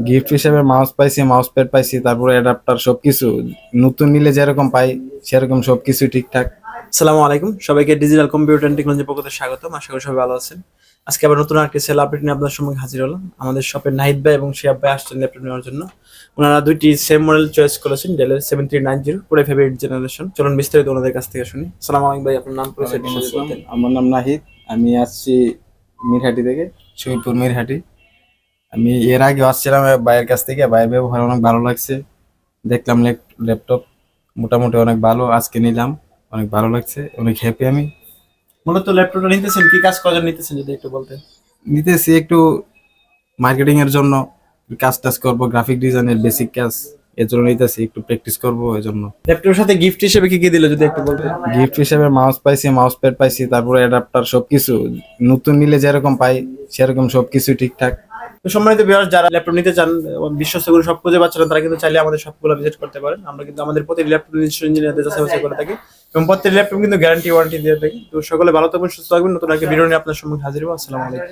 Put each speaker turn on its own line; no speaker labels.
Gift হিসেবে mouse পাইছি, mouse pad পাইছি, তারপরে অ্যাডাপ্টার সবকিছু নতুন নিলে যেরকম পাই সেরকম সবকিছু ঠিকঠাক।
আসসালামু আলাইকুম, সবাইকে ডিজিটাল কম্পিউটার এন্ড টেকনোলজি পক্ষ থেকে স্বাগতম। আশা করি সবাই ভালো আছেন। আজকে আবার নতুন আরেকটি সেল আপডেট নিয়ে আপনাদের সম্মুখে হাজির হলাম। আমাদের শপের নাহিদ ভাই এবং শিহাব ভাই আসছেন ল্যাপটপ নেওয়ার জন্য। ওনারা দুইটি সেম মডেল চয়েস করেছেন, ডেলের 7390 পুরো ফেভারিট জেনারেশন। চলুন বিস্তারিত ওনাদের কাছ থেকে শুনি। আসসালামু আলাইকুম ভাই, আপনার নাম পরিচয়
ওয়ালাইকুম
যদি
আসসালাম,
বলতেন।
আমার নাম নাহিদ। আমি আসছি মিরহাটি থেকে, শহীদপুর মিরহাটি। আমি এর আগে আসছিলাম ভাইয়ের কাছ থেকে, ভাইয়ের ব্যবহার অনেক ভালো লাগছে। দেখলাম ল্যাপটপ মোটামুটি অনেক ভালো, আজকে নিলাম, অনেক ভালো লাগছে, অনেক হ্যাপি আমি।
মূলত ল্যাপটপটা নিতেছেন কি কাজ করার জন্য নিতেছেন যদি একটু বলতেন।
নিতেছি একটু মার্কেটিং এর জন্য, কাজ টাজ করবো, গ্রাফিক ডিজাইনের বেসিক কাজ, এর জন্য নিতেছি, একটু প্র্যাকটিস করবো এই জন্য।
ল্যাপটপের সাথে গিফট হিসেবে কি কি দিল যদি একটু বলতেন।
গিফট হিসেবে মাউস পাইছি, মাউস প্যাড পাইছি, তারপরে অ্যাডাপ্টার সবকিছু নতুন নিলে যেরকম পাই সেরকম সবকিছু ঠিকঠাক।
তো সম্মানিত ভিউয়ার্স, যারা ল্যাপটপ নিতে চান এবং বিশ্বস্ত কোনো সব খুঁজে পাচ্ছেন না, তারা কিন্তু চাইলে আমাদের সবগুলো ভিজিট করতে পারেন। আমরা কিন্তু আমাদের প্রতিটি ল্যাপটপ নিজস্ব ইঞ্জিনিয়ারদের যাচাই বাছাই করে থাকি এবং প্রত্যেকটি ল্যাপটপ কিন্তু গ্যারান্টি ওয়ারেন্টি দিয়ে থাকি। তো সকলে ভালো থাকবেন, সুস্থ থাকবেন। নতুন একটা ভিডিও নিয়ে আপনার সম্মুখে হাজির হবো। আসসালামু আলাইকুম।